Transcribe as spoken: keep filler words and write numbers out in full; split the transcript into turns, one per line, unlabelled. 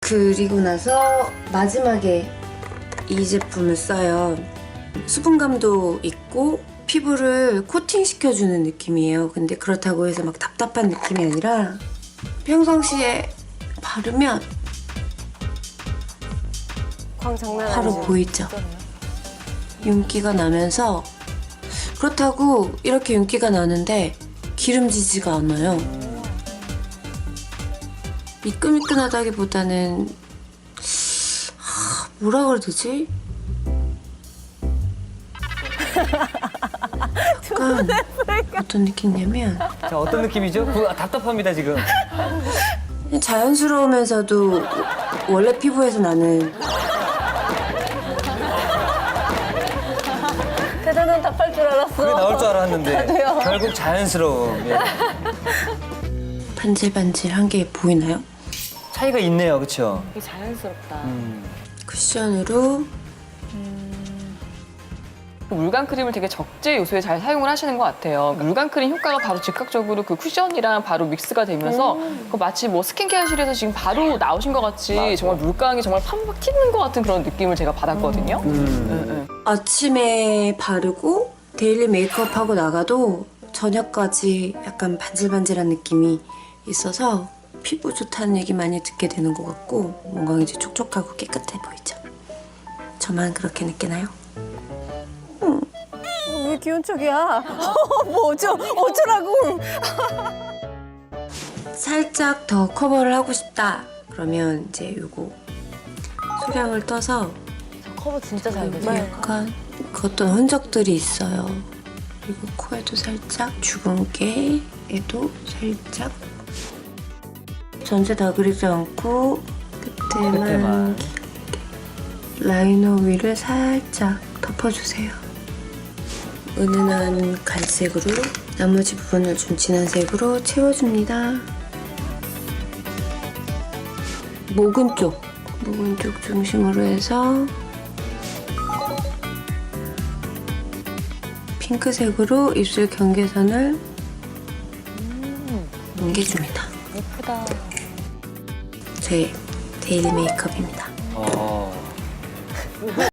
그리고 나서 마지막에 이 제품을 써요. 수분감도 있고 피부를 코팅시켜주는 느낌이에요. 근데 그렇다고 해서 막 답답한 느낌이 아니라 평상시에 바르면
광 장난
바로
아니죠?
보이죠? 윤기가 나면서 그렇다고 이렇게 윤기가 나는데 기름지지가 않아요. 미끈미끈하다기보다는 하, 뭐라 그래야 되지? 약간 어떤 느낌이냐면
자, 어떤 느낌이죠? 그, 아, 답답합니다, 지금.
자연스러우면서도 원래 피부에서 나는
대단한 답할 줄 알았어.
그게 나올 줄 알았는데.
나도요.
결국 자연스러움. 예.
반질반질한 게 보이나요?
차이가 있네요, 그쵸?
되게 자연스럽다.
음.
쿠션으로
물감 크림을 되게 적재 요소에 잘 사용을 하시는 것 같아요. 물감 크림 효과가 바로 즉각적으로 그 쿠션이랑 바로 믹스가 되면서 그 마치 뭐 스킨케어실에서 지금 바로 나오신 것 같이 정말 물감이 정말 팍팍 튀는 것 같은 그런 느낌을 제가 받았거든요.
음.
네, 네.
아침에 바르고 데일리 메이크업하고 나가도 저녁까지 약간 반질반질한 느낌이 있어서 피부 좋다는 얘기 많이 듣게 되는 것 같고 뭔가 이제 촉촉하고 깨끗해 보이죠? 저만 그렇게 느끼나요?
왜 귀여운 척이야? 뭐 어쩌, 어쩌라고.
살짝 더 커버를 하고 싶다 그러면 이제 요거 소량을 떠서
커버 진짜 잘
여기
되죠?
약간 그 어떤 흔적들이 있어요. 그리고 코에도 살짝, 주근깨에도 살짝 전체 다 그리지 않고 끝에만
끝에만.
라이너 위를 살짝 덮어주세요. 은은한 갈색으로 나머지 부분을 좀 진한 색으로 채워줍니다. 목은 쪽, 목은 쪽 중심으로 해서 핑크색으로 입술 경계선을 옮겨줍니다.
예쁘다.
제 데일리 메이크업입니다.
어.